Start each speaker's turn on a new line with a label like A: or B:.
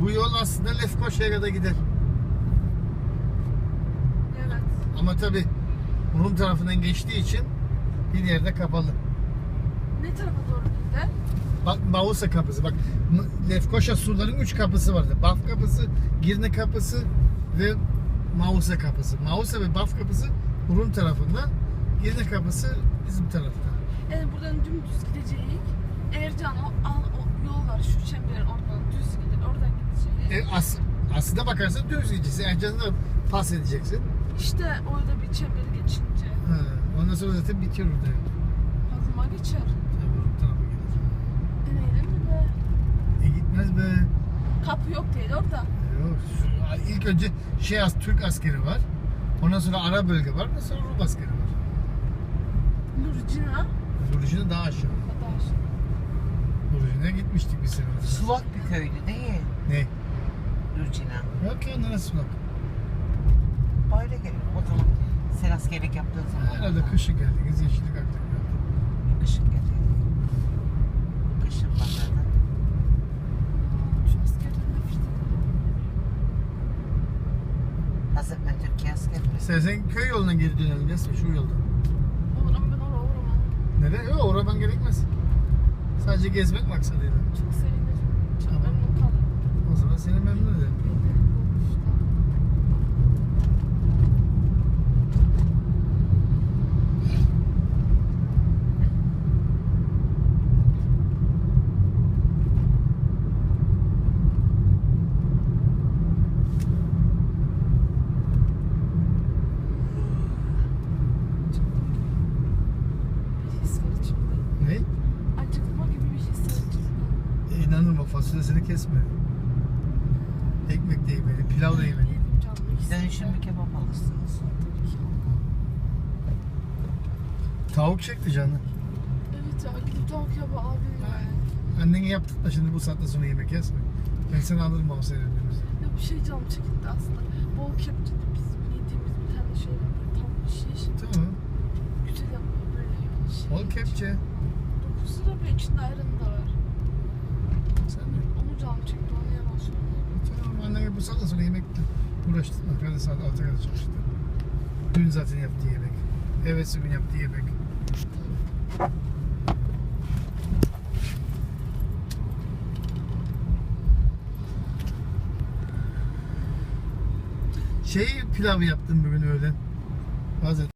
A: Bu yol aslında Lefkoşa'ya kadar gider.
B: Evet.
A: Ama tabi Rum tarafından geçtiği için bir yerde kapalı.
B: Ne tarafa doğru gider?
A: Bak Mausa kapısı. Bak Lefkoşa surların 3 kapısı vardı. Baf kapısı, Girne kapısı ve Mausa kapısı. Mausa ve Baf kapısı Rum tarafında. Girne kapısı bizim tarafta.
B: Yani buradan dümdüz gideceğiz. Ercan o yol var şu çemberin oradan düz gider. Oradan gideceğiz.
A: Aslında bakarsan düz gideceksin. Ercan'da pas edeceksin.
B: İşte orada bir çemberi geçince.
A: Ha, ondan sonra zaten bitiyor orada.
B: Aklıma geçer.
A: Tabii Rum tarafa gelir.
B: Deneyelim mi be?
A: Gitmez be.
B: Kapı yok değil orada.
A: Yok. İlk önce Türk askeri var. Ondan sonra ara bölge var. Ondan sonra Rum askeri var.
B: Lurcina.
A: Lurcina daha aşağı.
B: Kadar.
A: Lurcina'ya gitmiştik bir sene.
C: Sulak bir köydü değil.
A: Ne?
C: Lurcina.
A: Yok ya neresi sulak?
C: Böyle gelir o zaman. Sen askerlik yaptığın zaman.
A: Herhalde kışın geldiniz. Yeşillik aktif geldi.
C: Kışın gelir. Kışın pazarda.
B: Şu askerden nefret ederim.
C: Hazır ben Türkiye askeriyim.
A: İstersen köy yolundan geri dönelim. Resmi şu yoldan.
B: Olur ama ben oraya uğramam.
A: Neden? Yok oradan gerekmez. Sadece gezmek maksadıyla.
B: Çok sevinirim. Çok
A: Tamam.
B: memnun kalırım.
A: O zaman seni memnun ederim.
B: Bir his var içimde.
A: Ne?
B: Acıkma gibi bir his var içimde.
A: İnanın bak fasulyesini kesme. Ekmek de yemeli, pilav da yemeli.
B: Yedim canlı
C: Dönüşüm bir kebap alırsınız.
B: Tabii ki.
A: Tavuk çekti canı.
B: Evet ya gidip tavuk yaba abi ya.
A: Annene yaptık da şimdi bu saatten sonra yemek yesme. Ben seni alırım o seyredimizi.
B: Ya bir şey canım çekildi aslında. Bol kepçede biz yediğimiz bir tane şey var. Böyle tavuk şiş.
A: Tamam.
B: Güzel yapıyor böyle şey.
A: Bol kepçe.
B: 9 lira ve içinde ayranı da var.
A: Sen de.
B: Onu canım çekti onu yalan söyleyeyim.
A: Tamam annene bu saatten sonra yemekle uğraştın. Hadi saat 6'ya kadar çalıştı. Dün zaten yaptığı yemek. Evet gün yaptığı yemek. Pilav yaptım bugün öğlen. Bazen